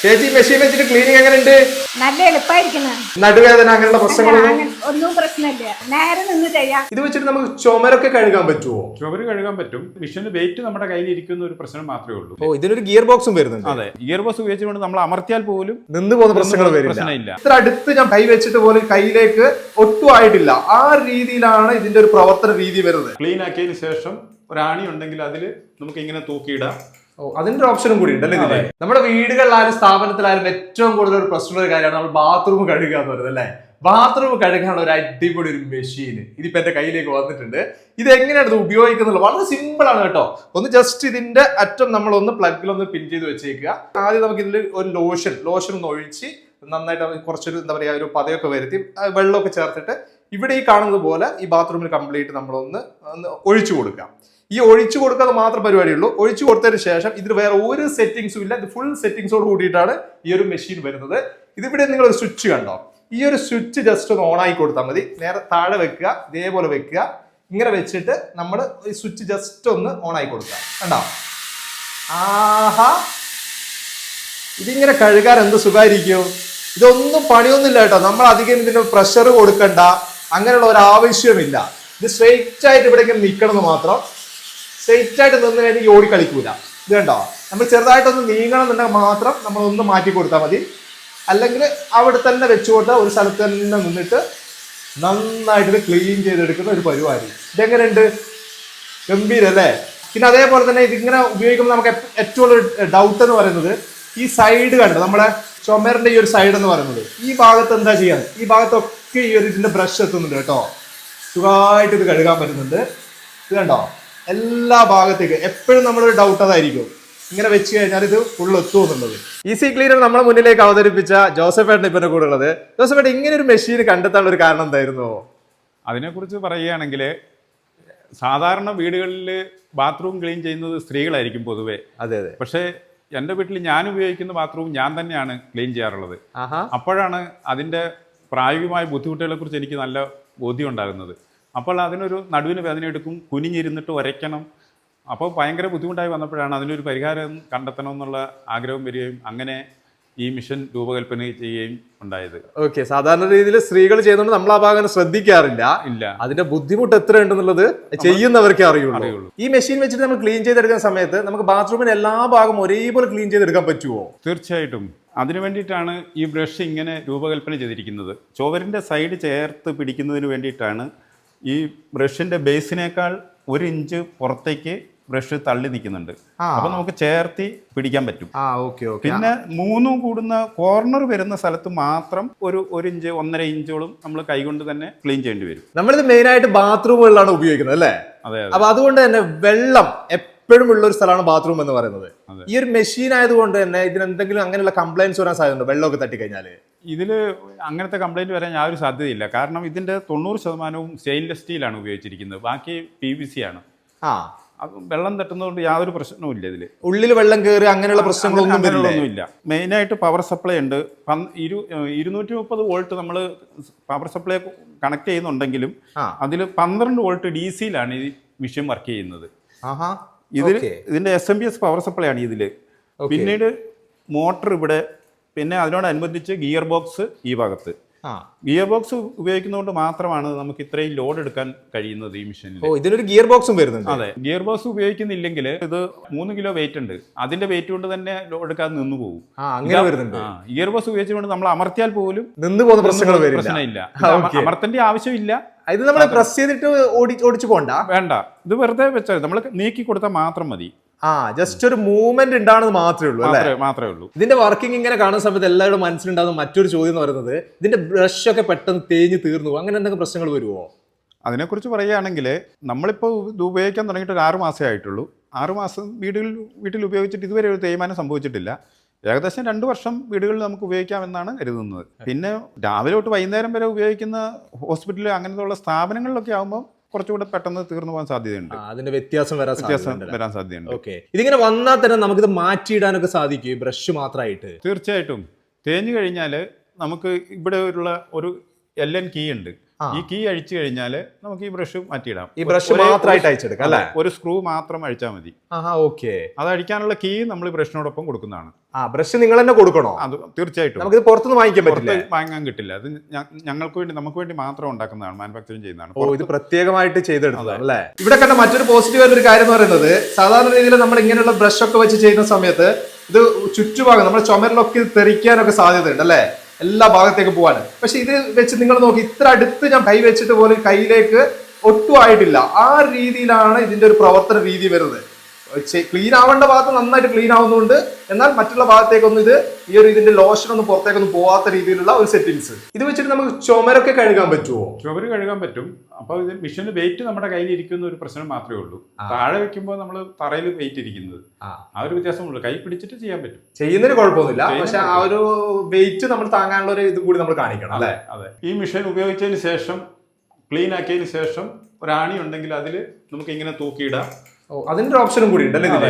ചേച്ചി മെഷീൻ വെച്ചിട്ട് ക്ലീനിങ് എങ്ങനെയുണ്ട്? നല്ല എളുപ്പമായിരിക്കണം. നടുവേദന അങ്ങനെയുള്ള പ്രശ്നങ്ങളൊന്നും ഒന്നും പ്രശ്നമില്ല, നേരെ നിന്ന് ചെയ്യാം. ഇത് വെച്ചിട്ട് നമുക്ക് ചുമരൊക്കെ കഴുകാൻ പറ്റുമോ? ചുമര് കഴുകാൻ പറ്റും. മിഷന് വെയിറ്റ് നമ്മുടെ കയ്യിൽ ഇരിക്കുന്ന ഒരു പ്രശ്നം മാത്രമേ ഉള്ളൂ. ഓ, ഇതിനൊരു ഗിയർ ബോക്സും വരുന്നുണ്ട്. അതെ, ഗിയർ ബോക്സ് ഉപയോഗിച്ചുകൊണ്ട് നമ്മൾ അമർത്തിയാൽ പോലും നിന്ന് പോകുന്ന പ്രശ്നങ്ങൾ പ്രശ്നമില്ല. ഇത്ര അടുത്ത് ഞാൻ കൈ വെച്ചിട്ട് പോലും കയ്യിലേക്ക് ഒട്ടും ആയിട്ടില്ല. ആ രീതിയിലാണ് ഇതിന്റെ ഒരു പ്രവർത്തന രീതി വരുന്നത്. ക്ലീൻ ആക്കിയതിന് ശേഷം ഒരാണി ഉണ്ടെങ്കിൽ അതിൽ നമുക്ക് ഇങ്ങനെ തൂക്കിയിടാം. ഓ, അതിന്റെ ഒരു ഓപ്ഷനും കൂടി ഉണ്ടല്ലേ ഇതില്? നമ്മുടെ വീടുകളിലായാലും സ്ഥാപനത്തിലായാലും ഏറ്റവും കൂടുതൽ ഒരു പ്രശ്നമുള്ള ഒരു കാര്യമാണ് നമ്മൾ ബാത്റൂം കഴുകുക എന്ന് പറയുന്നത് അല്ലേ? ബാത്റൂം കഴുകാനുള്ള ഒരു അടിപൊളി ഒരു മെഷീൻ ഇതിപ്പോ എന്റെ കയ്യിലേക്ക് വന്നിട്ടുണ്ട്. ഇത് എങ്ങനെയാണ് ഇത് ഉപയോഗിക്കുന്നത്? വളരെ സിമ്പിൾ ആണ് കേട്ടോ. ഒന്ന് ജസ്റ്റ് ഇതിന്റെ അറ്റം നമ്മൾ ഒന്ന് പ്ലഗിലൊന്ന് പിൻ ചെയ്ത് വെച്ചേക്കുക. ആദ്യം നമുക്ക് ഇതിൽ ഒരു ലോഷൻ ഒന്ന് ഒഴിച്ച് നന്നായിട്ട് കുറച്ചൊരു എന്താ പറയാ ഒരു പതയൊക്കെ വരുത്തി വെള്ളമൊക്കെ ചേർത്തിട്ട് ഇവിടെ ഈ കാണുന്നത് പോലെ ഈ ബാത്റൂമിൽ കംപ്ലീറ്റ് നമ്മളൊന്ന് ഒഴിച്ചു കൊടുക്കാം. ഈ ഒഴിച്ചു കൊടുക്കാതെ മാത്രം പരിപാടിയുള്ളൂ. ഒഴിച്ചു കൊടുത്തതിന് ശേഷം ഇതിൽ വേറെ ഒരു സെറ്റിംഗ്സും ഇല്ല. ഇത് ഫുൾ സെറ്റിംഗ്സോട് കൂടിയിട്ടാണ് ഈ ഒരു മെഷീൻ വരുന്നത്. ഇതിവിടെ നിങ്ങൾ ഒരു സ്വിച്ച് കണ്ടോ? ഈ ഒരു സ്വിച്ച് ജസ്റ്റ് ഒന്ന് ഓൺ ആയി കൊടുത്താൽ മതി. നേരെ താഴെ വെക്കുക, ഇതേപോലെ വെക്കുക. ഇങ്ങനെ വെച്ചിട്ട് നമ്മൾ ഈ സ്വിച്ച് ജസ്റ്റ് ഒന്ന് ഓൺ ആയി കൊടുക്കുക. കണ്ടോ? ആഹാ, ഇതിങ്ങനെ കഴുകാൻ എന്ത് സുഖമായിരിക്കും. ഇതൊന്നും പണിയൊന്നുമില്ല കേട്ടോ. നമ്മൾ അധികം ഇതിന് പ്രഷർ കൊടുക്കണ്ട, അങ്ങനെയുള്ള ഒരു ആവശ്യമില്ല. ഇത് സ്ട്രെയിറ്റ് ആയിട്ട് ഇവിടെ ഇങ്ങനെ നിൽക്കണം എന്ന് മാത്രം. സ്ട്രെയിറ്റ് ആയിട്ട് നിന്ന് കഴിഞ്ഞാൽ ഓടി കളിക്കൂല. ഇത് കണ്ടോ? നമ്മൾ ചെറുതായിട്ടൊന്ന് നീങ്ങണം എന്നുണ്ടെങ്കിൽ മാത്രം നമ്മളൊന്ന് മാറ്റി കൊടുത്താൽ മതി. അല്ലെങ്കിൽ അവിടെ തന്നെ വെച്ചുകൊണ്ട് ഒരു സ്ഥലത്ത് തന്നെ നിന്നിട്ട് നന്നായിട്ട് ക്ലീൻ ചെയ്തെടുക്കുന്ന ഒരു പരിപാടി. ഇതെങ്ങനെയുണ്ട്? ഗംഭീരല്ലേ? പിന്നെ അതേപോലെ തന്നെ ഇതിങ്ങനെ ഉപയോഗിക്കുമ്പോൾ നമുക്ക് ഏറ്റവും ഒരു ഡൗട്ട് എന്ന് പറയുന്നത് ഈ സൈഡ് കണ്ടോ, നമ്മുടെ ചുമരിന്റെ ഈ ഒരു സൈഡ് എന്ന് പറയുന്നത് ഈ ഭാഗത്ത് എന്താ ചെയ്യാൻ? ഈ ഭാഗത്തൊക്കെ ഈ ഒരു ഇതിന്റെ ബ്രഷ് എത്തുന്നുണ്ട് കേട്ടോ. സുഖമായിട്ട് ഇത് കഴുകാൻ പറ്റുന്നുണ്ട്. ഇത് കണ്ടോ? എല്ലാ ഭാഗത്തേക്ക് എപ്പോഴും നമ്മളൊരു ഡൗട്ട് അതായിരിക്കും, ഇങ്ങനെ വെച്ച് കഴിഞ്ഞാൽ ഇത് ഫുൾ എത്തുമെന്നുള്ളത്. ഈസി ക്ലീനർ നമ്മളെ മുന്നിലേക്ക് അവതരിപ്പിച്ച ജോസഫേട്ടൻ ഇപ്പൊ കൂടെ ഉള്ളത്. ജോസഫേട്ടൻ, ഇങ്ങനെ ഒരു മെഷീൻ കണ്ടെത്താനുള്ള ഒരു കാരണം എന്തായിരുന്നു? അതിനെക്കുറിച്ച് പറയുകയാണെങ്കിൽ സാധാരണ വീടുകളിൽ ബാത്റൂം ക്ലീൻ ചെയ്യുന്നത് സ്ത്രീകളായിരിക്കും പൊതുവെ. അതെ അതെ. പക്ഷേ എൻ്റെ വീട്ടിൽ ഞാൻ ഉപയോഗിക്കുന്ന ബാത്റൂം ഞാൻ തന്നെയാണ് ക്ലീൻ ചെയ്യാറുള്ളത്. അപ്പോഴാണ് അതിൻ്റെ പ്രായോഗികമായ ബുദ്ധിമുട്ടുകളെ കുറിച്ച് എനിക്ക് നല്ല ബോധ്യം ഉണ്ടാകുന്നത്. അപ്പോൾ അതിനൊരു നടുവിന് വേദന എടുക്കും, കുനിഞ്ഞിരുന്നിട്ട് ഉരയ്ക്കണം. അപ്പോൾ ഭയങ്കര ബുദ്ധിമുട്ടായി വന്നപ്പോഴാണ് അതിനൊരു പരിഹാരം കണ്ടെത്തണം എന്നുള്ള ആഗ്രഹം വരികയും അങ്ങനെ ഈ മിഷൻ രൂപകൽപ്പന ചെയ്യുകയും ഉണ്ടായത്. ഓക്കെ, സാധാരണ രീതിയിൽ സ്ത്രീകൾ ചെയ്യുന്നതുകൊണ്ട് നമ്മൾ ആ ഭാഗം ശ്രദ്ധിക്കാറില്ല. അതിന്റെ ബുദ്ധിമുട്ട് എത്ര ഉണ്ടെന്നുള്ളത് ചെയ്യുന്നവർക്കേ അറിയുള്ളൂ. ഈ മെഷീൻ വെച്ചിട്ട് നമ്മൾ ക്ലീൻ ചെയ്തെടുക്കുന്ന സമയത്ത് നമുക്ക് ബാത്റൂമിന് എല്ലാ ഭാഗം ഒരേപോലെ ക്ലീൻ ചെയ്തെടുക്കാൻ പറ്റുമോ? തീർച്ചയായിട്ടും. അതിനു വേണ്ടിയിട്ടാണ് ഈ ബ്രഷ് ഇങ്ങനെ രൂപകൽപ്പന ചെയ്തിരിക്കുന്നത്. ചുവരിൻ്റെ സൈഡ് ചേർത്ത് പിടിക്കുന്നതിന് വേണ്ടിയിട്ടാണ് ഈ ബ്രഷിന്റെ ബേസിനേക്കാൾ 1 ഇഞ്ച് പുറത്തേക്ക് ബ്രഷ് തള്ളി നിൽക്കുന്നുണ്ട്. അപ്പൊ നമുക്ക് ചേർത്തി പിടിക്കാൻ പറ്റും. പിന്നെ 3 കൂടുന്ന കോർണർ വരുന്ന സ്ഥലത്ത് മാത്രം ഒരു 1 ഇഞ്ച് 1.5 ഇഞ്ചോളം നമ്മൾ കൈകൊണ്ട് തന്നെ ക്ലീൻ ചെയ്യേണ്ടി വരും. നമ്മളിത് മെയിൻ ആയിട്ട് ബാത്റൂമുകളിലാണ് ഉപയോഗിക്കുന്നത് അല്ലേ? അതെ. അപ്പൊ അതുകൊണ്ട് തന്നെ വെള്ളം എപ്പോഴും ഉള്ള ഒരു സ്ഥലമാണ് ബാത്റൂം എന്ന് പറയുന്നത്. ഈ ഒരു മെഷീൻ ആയതുകൊണ്ട് തന്നെ ഇതിന് എന്തെങ്കിലും അങ്ങനെയുള്ള കംപ്ലൈൻസ് വരാൻ സാധ്യതയുണ്ടോ? വെള്ളമൊക്കെ തട്ടിക്കഴിഞ്ഞാല് ഇതിൽ അങ്ങനത്തെ കംപ്ലൈൻറ്റ് വരാൻ യാതൊരു സാധ്യതയില്ല. കാരണം ഇതിൻ്റെ 90% സ്റ്റെയിൻലെസ് സ്റ്റീലാണ് ഉപയോഗിച്ചിരിക്കുന്നത്. ബാക്കി PVC ആണ്. അത് വെള്ളം തട്ടുന്നതുകൊണ്ട് യാതൊരു പ്രശ്നവും ഇല്ല. ഇതിൽ ഉള്ളിൽ വെള്ളം കയറി അങ്ങനെയുള്ള പ്രശ്നങ്ങളൊന്നുമില്ല. മെയിനായിട്ട് പവർ സപ്ലൈ ഉണ്ട്. 230 വോൾട്ട് നമ്മൾ പവർ സപ്ലൈ കണക്ട് ചെയ്യുന്നുണ്ടെങ്കിലും അതിൽ 12 വോൾട്ട് DC-യിലാണ് ഈ മെഷീൻ വർക്ക് ചെയ്യുന്നത്. ഇതിന്റെ SMPS പവർ സപ്ലൈ ആണ് ഇതിൽ. പിന്നീട് മോട്ടർ ഇവിടെ, പിന്നെ അതിനോടനുബന്ധിച്ച് ഗിയർ ബോക്സ് ഈ ഭാഗത്ത്. ഗിയർ ബോക്സ് ഉപയോഗിക്കുന്നതുകൊണ്ട് മാത്രമാണ് നമുക്ക് ഇത്രയും ലോഡ് എടുക്കാൻ കഴിയുന്നത് ഈ മെഷീനിൽ. ഇതിനൊരു ഗിയർ ബോക്സും വരുന്നുണ്ട്. അതെ, ഗിയർ ബോക്സ് ഉപയോഗിക്കുന്നില്ലെങ്കിൽ ഇത് 3 കിലോ വെയിറ്റ് ഉണ്ട്. അതിന്റെ വെയിറ്റ് കൊണ്ട് തന്നെ ലോഡ് എടുക്കാതെ നിന്ന് പോകും. ഗിയർ ബോക്സ് ഉപയോഗിച്ചുകൊണ്ട് നമ്മൾ അമർത്തിയാൽ പോലും നിന്ന് പോകുന്ന പ്രശ്നമില്ല. അമർത്തേണ്ട ആവശ്യമില്ല. ഇത് നമ്മൾ പ്രസ് ചെയ്തിട്ട് ഓടിച്ചു പോണ്ട, വേണ്ട. ഇത് വെറുതെ വെച്ചാൽ നമ്മൾ നീക്കി കൊടുത്താൽ മാത്രം മതി. ജസ്റ്റ് ഒരു മൂവ്മെന്റ് ഉണ്ടാണെന്ന് മാത്രമേ ഉള്ളൂ. ഇതിന്റെ വർക്കിംഗ് ഇങ്ങനെ കാണുന്ന സമയത്ത് എല്ലാവരുടെ മനസ്സിലുണ്ടാകുന്ന മറ്റൊരു ചോദ്യം എന്ന് പറയുന്നത് ഇതിന്റെ ബ്രഷ് ഒക്കെ പെട്ടെന്ന് തേഞ്ഞ് തീർന്നു, അങ്ങനെ എന്തെങ്കിലും പ്രശ്നങ്ങൾ വരുമോ? അതിനെക്കുറിച്ച് പറയുകയാണെങ്കിൽ നമ്മളിപ്പോൾ ഇത് ഉപയോഗിക്കാൻ തുടങ്ങിയിട്ട് ഒരു 6 മാസമേ ആയിട്ടുള്ളൂ. 6 മാസം വീട്ടിൽ ഉപയോഗിച്ചിട്ട് ഇതുവരെ ഒരു തേയ്മാനം സംഭവിച്ചിട്ടില്ല. ഏകദേശം 2 വർഷം വീടുകളിൽ നമുക്ക് ഉപയോഗിക്കാമെന്നാണ് കരുതുന്നത്. പിന്നെ രാവിലെ തൊട്ട് വൈകുന്നേരം വരെ ഉപയോഗിക്കുന്ന ഹോസ്പിറ്റൽ അങ്ങനത്തെ സ്ഥാപനങ്ങളിലൊക്കെ ആകുമ്പോൾ കുറച്ചുകൂടെ പെട്ടെന്ന് തീർന്നു പോകാൻ സാധ്യതയുണ്ട്. അതിന്റെ വ്യത്യാസം വരാൻ സാധ്യതയുണ്ട്. ഓക്കെ, ഇതിങ്ങനെ വന്നാൽ തന്നെ നമുക്കിത് മാറ്റിയിടാനൊക്കെ സാധിക്കും ബ്രഷ് മാത്രമായിട്ട്? തീർച്ചയായിട്ടും. തേഞ്ഞു കഴിഞ്ഞാൽ നമുക്ക് ഇവിടെ ഉള്ള ഒരു LN കീ ഉണ്ട്. ഈ കീ അഴിച്ചു കഴിഞ്ഞാൽ നമുക്ക് ഈ ബ്രഷ് മാറ്റിയിടാം. ഈ ബ്രഷ് മാത്രമായിട്ട് അയച്ചെടുക്കാം അല്ലേ? ഒരു സ്ക്രൂ മാത്രം അഴിച്ചാൽ മതി. ഓക്കെ. അത് അഴിക്കാനുള്ള കീ നമ്മൾ ബ്രഷിനോടൊപ്പം കൊടുക്കുന്നതാണ്. ബ്രഷ് നിങ്ങൾ തന്നെ കൊടുക്കണോ? അത് തീർച്ചയായിട്ടും. നമുക്കിത് പുറത്തുനിന്ന് വാങ്ങിക്കാൻ പറ്റില്ല, വാങ്ങാൻ കിട്ടില്ല. അത് നമുക്ക് വേണ്ടി മാത്രം ഉണ്ടാക്കുന്നതാണ്, മാനുഫാക്ചറിങ് ചെയ്യുന്നതാണ്. ഇത് പ്രത്യേകമായിട്ട് ചെയ്തെടുത്തതാണ് അല്ലേ? ഇവിടെ കണ്ട മറ്റൊരു പോസിറ്റീവ് ആയിട്ടുള്ള ഒരു കാര്യം എന്ന് പറയുന്നത്, സാധാരണ രീതിയിൽ നമ്മൾ ഇങ്ങനെയുള്ള ബ്രഷ് ഒക്കെ വെച്ച് ചെയ്യുന്ന സമയത്ത് ഇത് ചുറ്റുഭാഗം നമ്മുടെ ചുമരിലൊക്കെ തെറിക്കാനൊക്കെ സാധ്യതയുണ്ട് അല്ലേ, എല്ലാ ഭാഗത്തേക്ക് പോവാൻ. പക്ഷെ ഇത് വെച്ച് നിങ്ങൾ നോക്കി, ഇത്ര അടുത്ത് ഞാൻ കൈ വെച്ചിട്ട് പോലും കയ്യിലേക്ക് ഒട്ടും ആയിട്ടില്ല. ആ രീതിയിലാണ് ഇതിന്റെ ഒരു പ്രവർത്തന രീതി വരുന്നത്. ക്ലീൻ ആവേണ്ട ഭാഗത്ത് നന്നായിട്ട് ക്ലീൻ ആവുന്നുണ്ട്, എന്നാൽ മറ്റുള്ള ഭാഗത്തേക്കൊന്നും ഇത് ഈ ഒരു ഇതിന്റെ ലോഷൻ ഒന്നും പുറത്തേക്കൊന്നും പോവാത്ത രീതിയിലുള്ള ഒരു സെറ്റിങ്സ്. ഇത് വെച്ചിട്ട് നമുക്ക് ചുമരൊക്കെ കഴുകാൻ പറ്റുമോ? ചുമര് കഴുകാൻ പറ്റും. അപ്പൊ ഇത് മിഷന് വെയിറ്റ് നമ്മുടെ കയ്യിൽ ഇരിക്കുന്ന ഒരു പ്രശ്നം മാത്രമേ ഉള്ളൂ. താഴെ വെക്കുമ്പോൾ നമ്മൾ തറയിൽ വെയിറ്റ് ഇരിക്കുന്നത്, ആ ഒരു വ്യത്യാസമുള്ളൂ. കൈ പിടിച്ചിട്ട് ചെയ്യാൻ പറ്റും, ചെയ്യുന്നതിന് കുഴപ്പമൊന്നുമില്ല. പക്ഷെ ആ ഒരു വെയിറ്റ് നമ്മൾ താങ്ങാനുള്ള ഒരു ഇത് കൂടി നമ്മൾ കാണിക്കണം അല്ലേ? അതെ. ഈ മിഷൻ ഉപയോഗിച്ചതിന് ശേഷം, ക്ലീൻ ആക്കിയതിന് ശേഷം ഒരാണി ഉണ്ടെങ്കിൽ അതിൽ നമുക്ക് ഇങ്ങനെ തൂക്കിയിടാം. അതിന്റെ ഓപ്ഷനും കൂടി ഉണ്ടല്ലേ ഇതില്?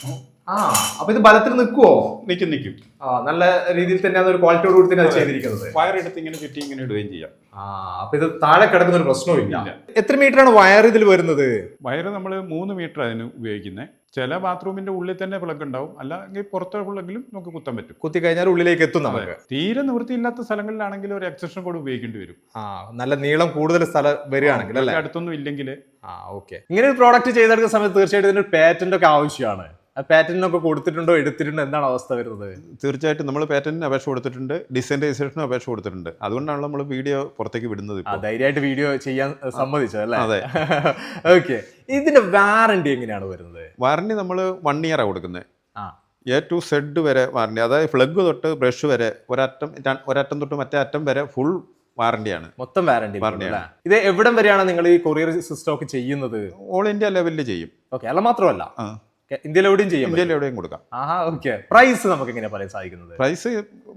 അപ്പൊ ഇത് ബലത്തിൽ നിൽക്കുവോ? നിൽക്കും. നല്ല രീതിയിൽ തന്നെ അതൊരു ക്വാളിറ്റിയോട് കൂടി തന്നെ അത് ചെയ്തിരിക്കുന്നത്. വയർ എടുത്ത് ഇങ്ങനെ ചുറ്റി ഇങ്ങനെ ഇടുകയും ചെയ്യാം. അപ്പൊ ഇത് താഴെ കിടക്കുന്ന ഒരു പ്രശ്നവും ഇല്ല. എത്ര മീറ്റർ ആണ് വയർ ഇതിൽ വരുന്നത്? വയർ നമ്മൾ 3 മീറ്റർ അതിന് ഉപയോഗിക്കുന്നത്. ചില ബാത്റൂമിന്റെ ഉള്ളിൽ തന്നെ പ്ലഗ് ഉണ്ടാവും, അല്ലെങ്കിൽ പുറത്തെ പ്ലഗിലും നമുക്ക് കുത്താൻ പറ്റും. കുത്തി കഴിഞ്ഞാൽ ഉള്ളിലേക്ക് എത്തും നമുക്ക്. തീരെ നിവൃത്തിയില്ലാത്ത സ്ഥലങ്ങളിലാണെങ്കിൽ ഒരു എക്സ്റ്റൻഷൻ കോഡ് ഉപയോഗിക്കേണ്ടി വരും. നല്ല നീളം കൂടുതൽ സ്ഥലം വരികയാണെങ്കിൽ അല്ലേ? അടുത്തൊന്നും ഇല്ലെങ്കിൽ. ഓക്കെ. ഇങ്ങനെ ഒരു പ്രോഡക്റ്റ് ചെയ്തെടുക്കുന്ന സമയത്ത് തീർച്ചയായിട്ടും ഇതിന് പാറ്റന്റ് ഒക്കെ ആവശ്യമാണ്. പാറ്റന്റിനൊക്കെ കൊടുത്തിട്ടുണ്ടോ, എടുത്തിട്ടുണ്ടോ, എന്താണ് അവസ്ഥ വരുന്നത്? തീർച്ചയായിട്ടും നമ്മൾ പാറ്റന്റിന് അപേക്ഷ കൊടുത്തിട്ടുണ്ട്, ഡിസൈൻ രജിസ്ട്രേഷനും അപേക്ഷ കൊടുത്തിട്ടുണ്ട്. അതുകൊണ്ടാണ് നമ്മൾ വീഡിയോ പുറത്തേക്ക് വിടുന്നത്. ധൈര്യമായിട്ട് വീഡിയോ ചെയ്യാൻ സമ്മതിച്ചത് അല്ലേ? അതെ. ഓക്കെ. ഇതിന്റെ വാറണ്ടി എങ്ങനെയാണ് വരുന്നത്? വാറണ്ടി നമ്മൾ 1 ഇയർ കൊടുക്കുന്നത്. A to Z വരെ വാറണ്ടി, അതായത് പ്ലഗ് തൊട്ട് ബ്രഷ് വരെ ഒരറ്റം തൊട്ട് മറ്റേ അറ്റം വരെ ഫുൾ വാറണ്ടിയാണ്. മൊത്തം വാറണ്ടിയാണ്. ഇത് എവിടം വരെയാണ് നിങ്ങൾ ഈ കൊറിയർ സിസ്റ്റം ഒക്കെ ചെയ്യുന്നത്? ഓൾ ഇന്ത്യ ലെവലിൽ ചെയ്യും. ഓക്കെ. അല്ല മാത്രമല്ല ഇന്ത്യയിൽ എവിടെയും ചെയ്യും? ഇന്ത്യയിൽ എവിടെയും കൊടുക്കാം. ഓക്കെ. പ്രൈസ് നമുക്ക് എങ്ങനെയാ പറയാൻ സാധിക്കുന്നത്? പ്രൈസ്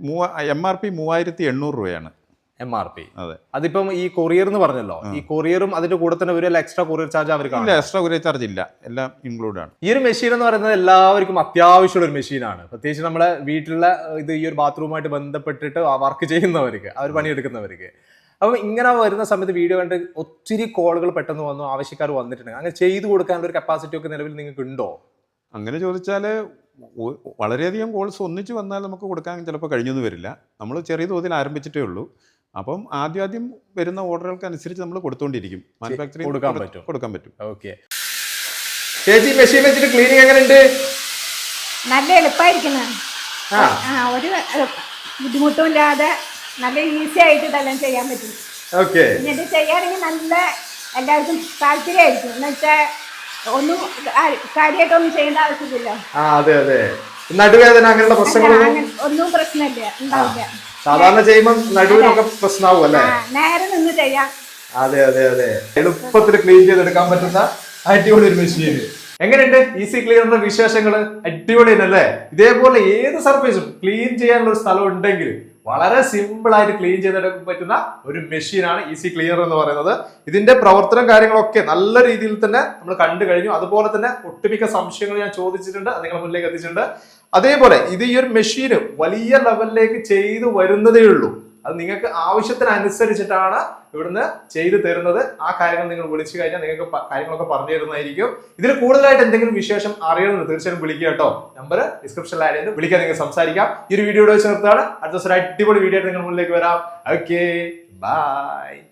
MRP 3800 രൂപയാണ്. MRP. അതെ. അതിപ്പം ഈ കൊറിയർ എന്ന് പറഞ്ഞല്ലോ, ഈ കൊറിയറും അതിന്റെ കൂടെ തന്നെ ഒരു എക്സ്ട്രാ കൊറിയർ ചാർജ് അവർക്ക്? എക്സ്ട്രാ കൊറിയർ ചാർജ് ഇല്ല, എല്ലാം ഇൻക്ലൂഡ് ആണ്. ഈ ഒരു മെഷീൻ എന്ന് പറയുന്നത് എല്ലാവർക്കും അത്യാവശ്യമുള്ള ഒരു മെഷീനാണ്. പ്രത്യേകിച്ച് നമ്മളെ വീട്ടിലുള്ള ഇത് ഈ ഒരു ബാത്റൂമായിട്ട് ബന്ധപ്പെട്ടിട്ട് വർക്ക് ചെയ്യുന്നവർക്ക്, അവർ പണിയെടുക്കുന്നവർക്ക്. അപ്പം ഇങ്ങനെ വരുന്ന സമയത്ത് വീഡിയോ കണ്ട് ഒത്തിരി കോളുകൾ പെട്ടെന്ന് വന്നു, ആവശ്യക്കാർ വന്നിട്ടുണ്ട്. അങ്ങനെ ചെയ്തു കൊടുക്കാനുള്ള ഒരു കപ്പാസിറ്റി ഒക്കെ നിലവിൽ നിങ്ങൾക്ക് ഉണ്ടോ? അങ്ങനെ ചോദിച്ചാൽ വളരെയധികം കോൾസ് ഒന്നിച്ച് വന്നാൽ നമുക്ക് കൊടുക്കാൻ ചിലപ്പോൾ കഴിഞ്ഞൊന്നും വരില്ല. നമ്മൾ ചെറിയ തോതിൽ ആരംഭിച്ചിട്ടേ ഉള്ളൂ. അപ്പം ആദ്യം വരുന്ന ഓർഡറുകൾക്ക് അനുസരിച്ച് നമ്മൾ കൊടുത്തുകൊണ്ടിരിക്കും. മാനുഫാക്ചറിംഗ് കൊടുക്കാൻ പറ്റും. ഓക്കെ. ചേച്ചി, മെഷീൻ വെച്ചിട്ട് ക്ലീനിങ് എങ്ങനെയുണ്ട്? നല്ല എളുപ്പമായിരിക്കുന്ന, ഒരു ബുദ്ധിമുട്ടും ഇല്ലാതെ നല്ല ഈസി ആയിട്ട് ഇതെല്ലാം ചെയ്യാൻ പറ്റും. ഓക്കെ. എന്നിട്ട് ചെയ്യാണെങ്കിൽ നല്ല എല്ലാവർക്കും താല്പര്യമായിരിക്കും. എന്ന് വെച്ചാൽ ഒന്നും കാര്യമായിട്ടൊന്നും ചെയ്യേണ്ട ആവശ്യമില്ല. അതെ. നടുവേദന അങ്ങനെയുള്ള ഒന്നും പ്രശ്നമില്ല, ഉണ്ടാവില്ല. സാധാരണ ചെയ്യുമ്പോൾ നടുവിനൊക്കെ പ്രശ്നമാവും അല്ലേ? നേരെ നിന്ന് ചെയ്യാം. അതെ. എളുപ്പത്തിൽ ക്ലീൻ ചെയ്തെടുക്കാൻ പറ്റുന്ന അടിപൊളി ഒരു മെഷീൻ. എങ്ങനെയുണ്ട് ഈസി ക്ലീനറിന്റെ വിശേഷങ്ങള്? അടിപൊളി അല്ലേ? ഇതേപോലെ ഏത് സർഫേസും ക്ലീൻ ചെയ്യാനുള്ള ഒരു സ്ഥലം ഉണ്ടെങ്കിൽ വളരെ സിമ്പിൾ ആയിട്ട് ക്ലീൻ ചെയ്തെടുക്കാൻ പറ്റുന്ന ഒരു മെഷീനാണ് ഈസി ക്ലീനർ എന്ന് പറയുന്നത്. ഇതിന്റെ പ്രവർത്തനം കാര്യങ്ങളൊക്കെ നല്ല രീതിയിൽ തന്നെ നമ്മൾ കണ്ടു കഴിഞ്ഞു. അതുപോലെ തന്നെ ഒട്ടുമിക്ക സംശയങ്ങൾ ഞാൻ ചോദിച്ചിട്ടുണ്ട്, അത് നിങ്ങളുടെ മുന്നിലേക്ക് എത്തിച്ചിട്ടുണ്ട്. അതേപോലെ ഇത് ഈ ഒരു മെഷീന് വലിയ ലെവലിലേക്ക് ചെയ്തു വരുന്നതേ ഉള്ളൂ. അത് നിങ്ങൾക്ക് ആവശ്യത്തിനനുസരിച്ചിട്ടാണ് ഇവിടുന്ന് ചെയ്തു തരുന്നത്. ആ കാര്യങ്ങൾ നിങ്ങൾ വിളിച്ചു കഴിഞ്ഞാൽ നിങ്ങൾക്ക് കാര്യങ്ങളൊക്കെ പറഞ്ഞു തരുന്നതായിരിക്കും. ഇതിൽ കൂടുതലായിട്ട് എന്തെങ്കിലും വിശേഷം അറിയണമെന്ന് തീർച്ചയായും വിളിക്കുക കേട്ടോ. നമ്പർ ഡിസ്ക്രിപ്ഷനിൽ ആഡ് ചെയ്ത് വിളിക്കാൻ നിങ്ങൾക്ക് സംസാരിക്കാം. ഈ ഒരു വീഡിയോ വെച്ച് നിർത്താണ്. അടുത്ത ദിവസം ഒരു അടിപൊളി വീഡിയോ ആയിട്ട് നിങ്ങൾ മുന്നിലേക്ക് വരാം. Okay, by.